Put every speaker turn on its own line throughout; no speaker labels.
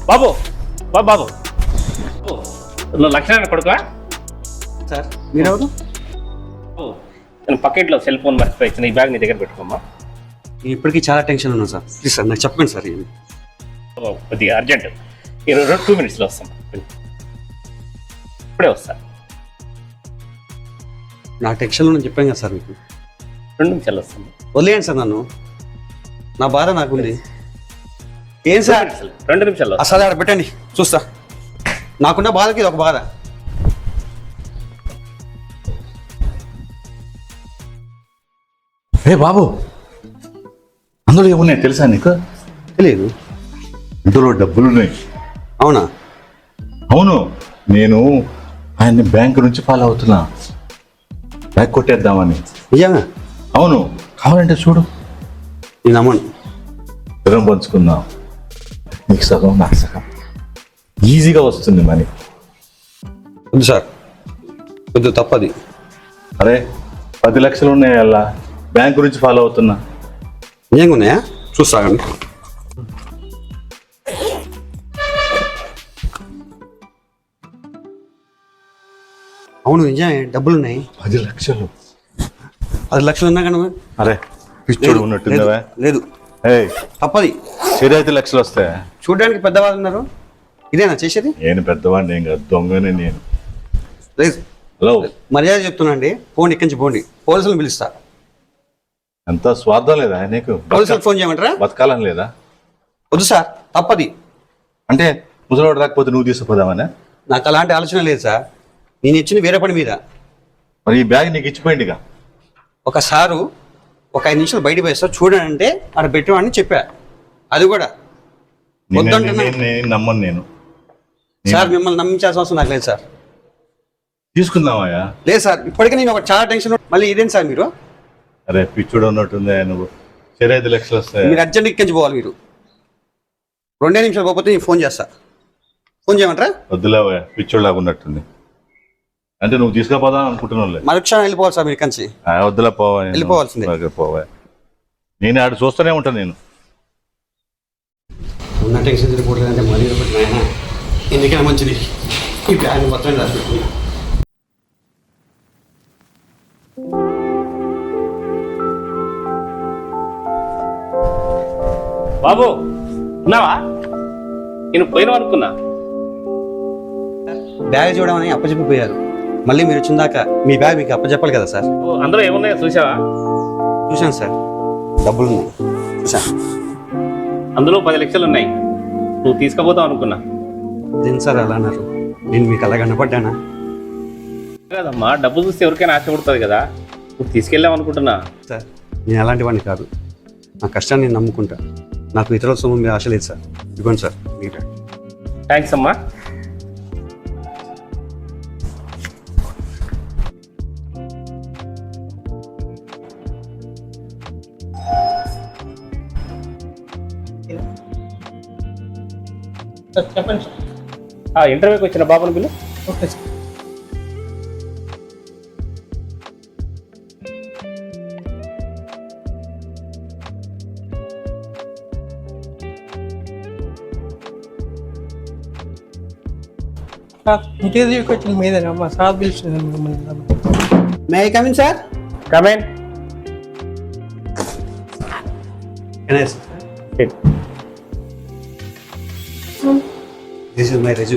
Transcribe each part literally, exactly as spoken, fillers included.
బాబు బాబు బాబు నువ్వు లక్ష్మణ కొడుకా
సార్ మీరెవరు?
నేను పకెట్లో సెల్ ఫోన్ మర్చిపోయి ఇచ్చిన ఈ బ్యాగ్ నీ దగ్గర పెట్టుకోమ్మా.
ఇప్పటికీ చాలా టెన్షన్ ఉన్నాను సార్. ప్లీజ్ సార్ నాకు చెప్పండి సార్. ఇది
కొద్దిగా అర్జెంట్, ఇరవై టూ మినిట్స్లో వస్తాం. ఇప్పుడే వస్తా.
నా టెన్షన్లో నేను చెప్పాను కదా సార్ మీకు.
రెండు నిమిషాలు వస్తాను.
వదిలేయండి సార్ నన్ను, నా బాధ నాకుంది. ఏం సార్?
రెండు నిమిషాలు
అసలు ఆడ పెట్టండి చూస్తా. నాకున్న బాధకి ఇది ఒక బాధ.
ఏ బాబు, అందులో ఏమున్నాయి తెలుసా నీకు?
తెలియదు.
ఇందులో డబ్బులున్నాయి.
అవునా?
అవును, నేను ఆయన్ని బ్యాంకు నుంచి ఫాలో అవుతున్నా, బ్యాగ్ కొట్టేద్దామని.
నిజంగా?
అవును, కావాలంటే చూడు.
నేను అమ్మను.
సగం పంచుకుందాం, నీకు సగం నాకు సగం, ఈజీగా వస్తుంది మనీ.
వద్దు సార్, వద్దు, తప్పది.
అరే పది లక్షలు ఉన్నాయి అలా, బ్యాంకు నుంచి ఫాలో అవుతున్నా.
నిజంగా ఉన్నాయా? చూస్తాగండి. అవును నిజమే, డబ్బులు ఉన్నాయి.
పది లక్షలు
పది లక్షలు ఉన్నా కానీ
అరే పిచ్చోడు ఉన్నట్టుందా?
లేదు,
ఏయ్
తప్పది.
సరే ఐదు లక్షలు వస్తాయి.
చూడడానికి పెద్దవాళ్ళు ఉన్నారు, ఇదేనా చేసేది?
నేను పెద్దవాడిని ఏం కాదు, దొంగనే నేను.
లేదు,
హలో
మర్యాద చెప్తున్నా అండి. పోండి, ఇక్కడి నుంచి పోండి. పోలీసులను పిలుస్తా.
అంత స్వార్థం లేదా నీకు?
పోలీసులకు ఫోన్ చేయమంటారా?
బతకాలని లేదా?
వద్దు సార్, తప్పది.
అంటే ముసలివాడు రాకపోతే నువ్వు తీసుకుపోదామనే?
నాకు అలాంటి ఆలోచన లేదు సార్. నేను ఇచ్చిన వేరే పని మీద.
మరి ఈ బ్యాగ్ నీకు ఇచ్చిపోయిందిగా.
ఒక సారు ఒక ఐదు నిమిషాలు బయటకు పోయి సార్ చూడండి అంటే అక్కడ పెట్టేవాడిని చెప్పా. అది కూడా వద్దంటున్నా
నమ్మను నేను.
సార్ మిమ్మల్ని నమ్మించాల్సిన అవసరం నాకు లేదు సార్.
తీసుకుందామయ్యా? లేదు
సార్, ఇప్పటికే నేను ఒక చాలా టెన్షన్. మళ్ళీ ఇదేంటి సార్ మీరు?
అరే పిచ్చుడు ఉన్నట్టుందే నువ్వు. సరే ఐదు లక్షలు వస్తాయి.
మీరు అర్జెంట్ ఇక్కడి నుంచి పోవాలి. మీరు రెండే నిమిషాలు పోతే నేను ఫోన్ చేస్తా. ఫోన్ చేయమంటారా?
వద్దులేవా, పిచ్చుడు లాగా ఉన్నట్టుంది. అంటే నువ్వు తీసుకుపోదాం అనుకుంటున్నావులే.
మరుక్షణం వెళ్ళిపోవాలి సార్ మీరు ఇక్కడి నుంచి.
వద్దులే, పోవా,
వెళ్ళిపోవాల్సిందే.
పోవా. నేను ఆడు చూస్తూనే ఉంటాను. నేను
ఉన్న టెన్షన్ తిరిగిపోతుందంటే మరీ నాయన ఎందుకైనా మంచిది ఈ బ్యాగ్ మొత్తం రాసి.
బాబు ఉన్నావా? నేను పోయినావు అనుకున్నా.
బ్యాగ్ చూడమని అప్పచెప్పిపోయారు. మళ్ళీ మీరు వచ్చిన దాకా మీ బ్యాగ్ మీకు అప్పచెప్పాలి కదా సార్.
అందులో ఏమున్నాయో చూసావా?
చూశాను సార్, డబ్బులు ఉన్నాయి, చూశాను.
అందులో పది లక్షలు ఉన్నాయి. నువ్వు తీసుకుపోతావు అనుకున్నా.
దేని సార్ అలా అన్నారు? నేను మీకు అలా కనపడ్డానా?
కాదమ్మా, డబ్బు చూస్తే ఎవరికైనా ఆశ పడుతుంది కదా. నువ్వు తీసుకెళ్ళావు అనుకుంటున్నా.
సార్ నేను అలాంటి వాడిని కాదు. నా కష్టాన్ని నేను నమ్ముకుంటా. నాకు ఇతరుల సొమ్ము మీద ఆశ లేదు సార్. ఇవ్వండి సార్ మీ బ్యాగ్.
థ్యాంక్స్ అమ్మా. చెప్పండి. ఇంటర్వ్యూకి వచ్చిన బాబుని బిల్లు. Okay sir.
ఇంటర్వ్యూకి వచ్చిన మీదేనా మా సార్ పిలుస్తుంది మిమ్మల్ని.
May I come in sir?
Come in.
This is my resume.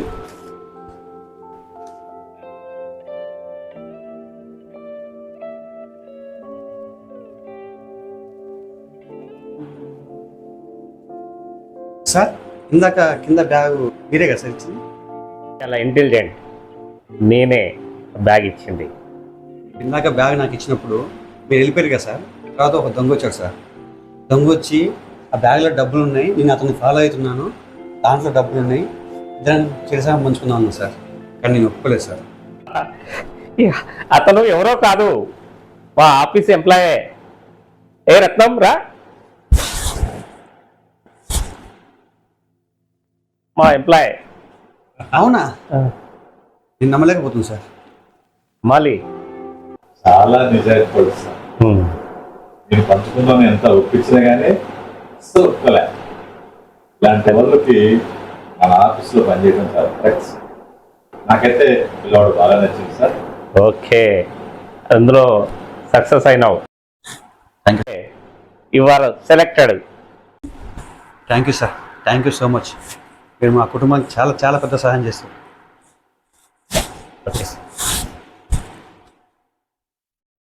Sir ఇందాక కింద బ్యాగ్ మీరే కదా సార్ ఇచ్చింది?
చాలా ఇంటెలిజెంట్. నేనే బ్యాగ్ ఇచ్చింది.
ఇందాక బ్యాగ్ నాకు ఇచ్చినప్పుడు మీరు వెళ్ళిపోయారు కదా సార్. తర్వాత ఒక దొంగ వచ్చాడు సార్. దొంగ వచ్చి ఆ బ్యాగ్లో డబ్బులు ఉన్నాయి, నేను అతను ఫాలో అవుతున్నాను, దాంట్లో డబ్బులు ఉన్నాయి, ఇద్దరం చేసా పంచుకుందాం అన్నా సార్. కానీ నేను ఒప్పుకోలేదు సార్.
అతను ఎవరో కాదు, మా ఆఫీస్ ఎంప్లాయే. ఏ రత్నం రా, మా ఎంప్లాయ్.
అవునా? నేను నమ్మలేకపోతుంది సార్.
మాలి
చాలా నిజాయితీ పడుతుంది. నేను పంచుకుందాం ఎంత ఒప్పించినా కానీ ఒప్పుకోలే. ఇలాంటి వాళ్ళకి మన ఆఫీస్లో పనిచేయడం సార్ ఫ్రెండ్స్ నాకైతే పిల్లవాడు బాగా నచ్చింది సార్.
ఓకే, అందులో సక్సెస్ అయినావు.
Thank you
you are selected.
Thank you sir, thank you so much. మీరు మా కుటుంబానికి చాలా చాలా పెద్ద సహాయం చేస్తారు.